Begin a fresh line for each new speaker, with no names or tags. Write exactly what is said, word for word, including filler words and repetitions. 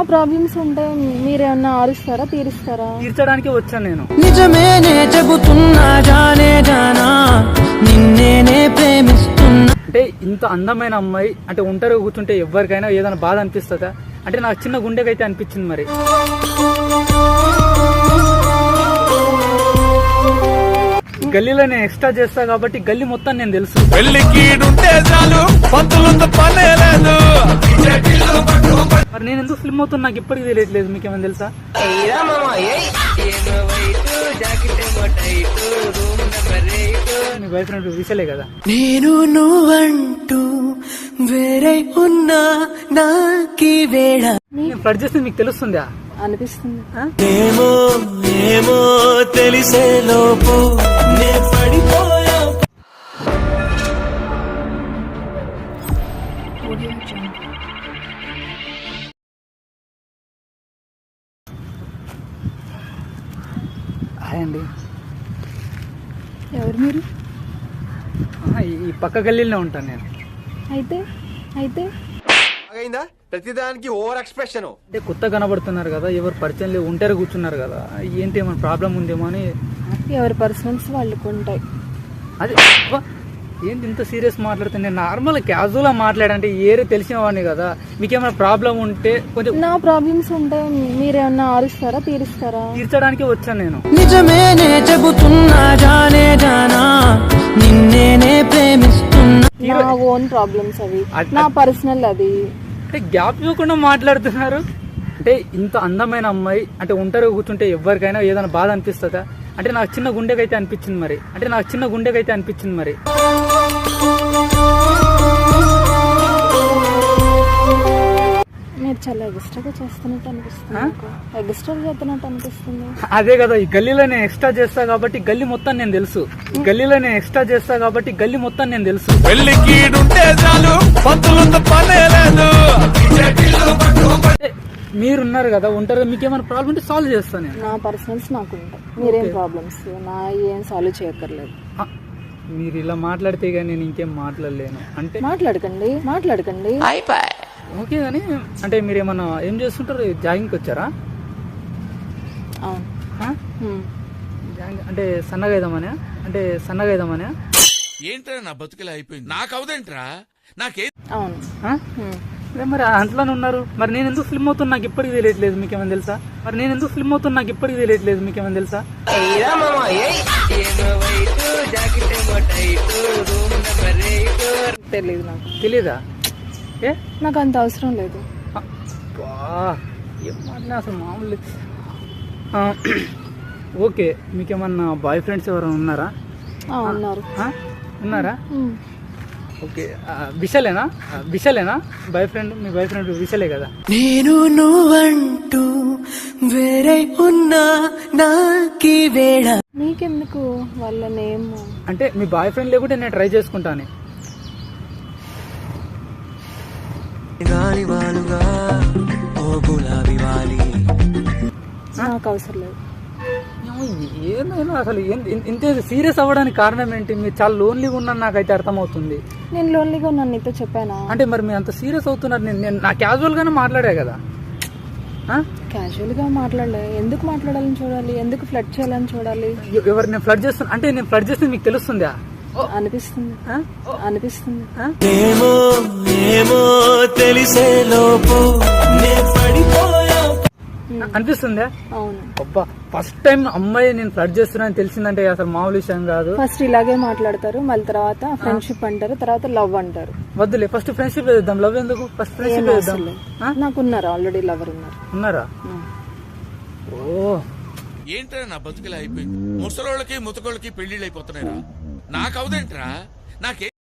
Problems ఉంటే మీరేమన్నా ఆరుస్తారా, తీరుస్తారా?
తీర్చడానికి వచ్చాను నేను.
నిజమేనే చెబుతున్నా జానే జానా నిన్నేనే ప్రేమిస్తున్నా.
అంటే ఇంత అందమైన అమ్మాయి అంటే ఒంటరిగా కూర్చుంటే ఎవరికైనా ఏదైనా బాధ అనిపిస్తుందా? అంటే నాకు చిన్న గుండెకైతే అనిపించింది. మరి గల్లీలో నేను ఎక్స్ట్రా చేస్తా కాబట్టి గల్లీ మొత్తం నేను తెలుసు. మరి నేను ఎందుకు ఫిల్మ్ అవుతున్నా నాకు ఇప్పటికీ తెలియట్లేదు. మీకేమైనా తెలుసా? మీ బాయ్ ఫ్రెండ్ విషయలే కదా.
నేను నువ్వంటూ వేరే ఉన్నా నాకి వేళ
నేను ఫ్లడ్ చేస్తే మీకు తెలుస్తుందా?
అనిపిస్తుంది.
ఏమో ఏమో తెలిసే లోపు నే పడిపోయా.
హాయ్ అండి.
ఎవరు మీరు?
ఈ పక్క గల్లీలో ఉంటాను నేను.
అయితే అయితే
ప్రతిదానికి ఓవర్ ఎక్స్ప్రెషన్.
అంటే కొత్త కనబడుతున్నారు కదా, ఎవరు పరిచయం లేవు, ఒంటరి కూర్చున్నారు కదా, ఏంటి ఏమైనా ప్రాబ్లం ఉందేమో అని.
ఎవరి పర్సనల్స్ వాళ్ళకు ఉంటాయి.
అది అబ్బా, ఏంటి ఇంత సీరియస్ మాట్లాడుతుంది? నేను నార్మల్ క్యాజువల్గా మాట్లాడంటే ఏరే తెలిసిన వాడిని కదా. మీకేమైనా ప్రాబ్లం ఉంటే కొంచెం.
నా ప్రాబ్లమ్స్ ఉంటే మీరేమన్నా ఆరుస్తారా, తీరుస్తారా?
తీర్చడానికి వచ్చాను నేను.
నిజమేనే చెబుతున్నా జానే జానా నిన్నేనే ప్రేమిస్తున్నా.
నా ఓన్ ప్రాబ్లమ్స్ అవి, నా పర్సనల్ అది.
అంటే గ్యాప్ ఇవ్వకుండా మాట్లాడుతున్నారు. అంటే ఇంత అందమైన అమ్మాయి అంటే ఒంటరిగా కూర్చుంటే ఎవరికైనా ఏదైనా బాధ అనిపిస్తుందా? అంటే నాకు చిన్న గుండెకైతే అనిపించింది. మరి అంటే నాకు చిన్న గుండెకైతే అనిపించింది. మరి
మీరు చాలా ఎక్స్ట్రాగా చేస్తున్నట్టు అనిపిస్తుంది. ఎక్స్ట్రా చేస్తున్నట్టు అనిపిస్తుంది.
అదే కదా, ఈ గల్లీలో నేను ఎక్స్ట్రా చేస్తా కాబట్టి గల్లీ మొత్తం నేను తెలుసు. ఈ గల్లీలో నేను ఎక్స్ట్రా చేస్తా కాబట్టి గల్లీ మొత్తం నేను తెలుసు. మీరున్నారు కదా ఒంటరిగా, మీకేమైనా ప్రాబ్లం ఉంటే సాల్వ్ చేస్తాను నేను.
నా పర్సనల్స్ నాకు ఉంటాయి. మీరేం ప్రాబ్లమ్స్ నా ఏం సాల్వ్ చేయక్కర్లేదు.
మీరు ఇలా మాట్లాడితే కానీ నేను ఇంకేం మాట్లాడలేను. అంటే
మాట్లాడకండి మాట్లాడకండి
ఓకే కానీ అంటే మీరు ఏమన్నా ఏం చేస్తుంటారు? జాగింగ్కి వచ్చారా?
అవును.
జాగింగ్ అంటే సన్నగా అయిదామనే? అంటే సన్నగా అయిదామనే?
ఏంట్రా నా బతుకులా అయిపోయింది, నాకు అవదేంట్రా నాకే.
అవును.
మరి అంట్లోనే ఉన్నారు. మరి నేను ఎందుకు ఫిల్మ్ అవుతున్నా నాకు ఇప్పటికీ తెలియట్లేదు. మీకేమైనా తెలుసా? మరి నేను ఎందుకు ఫిల్మ్ అవుతున్నా నాకు ఇప్పటికీ తెలియట్లేదు. మీకేమైనా తెలుసా?
తెలీదు నాకు.
తెలీదా? ఏ
నాకు అంత అవసరం లేదు.
ఏం మాట్లాడినా అసలు మామూలు. ఓకే, మీకేమన్నా బాయ్ ఫ్రెండ్స్ ఎవరైనా ఉన్నారా?
ఉన్నారు.
ఉన్నారా? ఓకే, విశాలేనా? విశాలేనా బాయ్ ఫ్రెండ్? మీ బాయ్ ఫ్రెండ్ విశాలే కదా.
నేను నువ్వంటూ వేరే ఉన్నా నాకి వేళ.
నీకెందుకు వాళ్ళ నేమ్?
అంటే మీ బాయ్ ఫ్రెండ్ లేకుంటే నేను ట్రై చేసుకుంటాను.
నాకు అవసరం లేదు.
ఏమైనా అసలు ఇంత సీరియస్ అవ్వడానికి కారణం ఏంటి? మీరు చాలా లోన్లీగా ఉన్నాను నాకైతే అర్థమవుతుంది.
నేను లోన్లీగా ఉన్నాను నీతో చెప్పానా?
అంటే మరి మీరు అంత సీరియస్ అవుతున్నారు. నేను నేను నా క్యాజువల్ గానే మాట్లాడా కదా.
క్యాజువల్ గా మాట్లాడలే. ఎందుకు మాట్లాడాలని చూడాలి, ఎందుకు ఫ్లడ్ చేయాలని చూడాలి?
ఎవరు నేను ఫ్లడ్ చేస్తాను అంటే నేను ఫ్లడ్ చేస్తే మీకు తెలుస్తుందా?
అనిపిస్తుంది అనిపిస్తుంది.
ఏమో ఏమో తెలిసే లోపు నే పడిపోయా.
అనిపిస్తుందా?
అవును.
అబ్బా, ఫస్ట్ టైం అమ్మాయి నేను ఫ్లడ్ చేస్తున్నా తెలిసిందంటే అసలు మామూలు విషయం కాదు.
ఫస్ట్ ఇలాగే మాట్లాడతారు, మళ్ళీ తర్వాత ఫ్రెండ్షిప్ అంటారు, తర్వాత లవ్ అంటారు.
వద్దులే, ఫస్ట్ ఫ్రెండ్షిప్ వేద్దాం. లవ్ ఎందుకు? ఫస్ట్ ఫ్రెండ్షిప్ వేద్దాం.
నాకు ఉన్నారు, ఆల్రెడీ లవర్ ఉన్నారు.
ఉన్నారా? ఓ,
ఏంట్రా నా బతుకులా అయిపోయింది, ముసలోళ్ళకి ముతకోళ్ళకి పెళ్లిళ్ళు అయిపోతున్నాయిరా, నాకు అవదేంట్రా నాకే.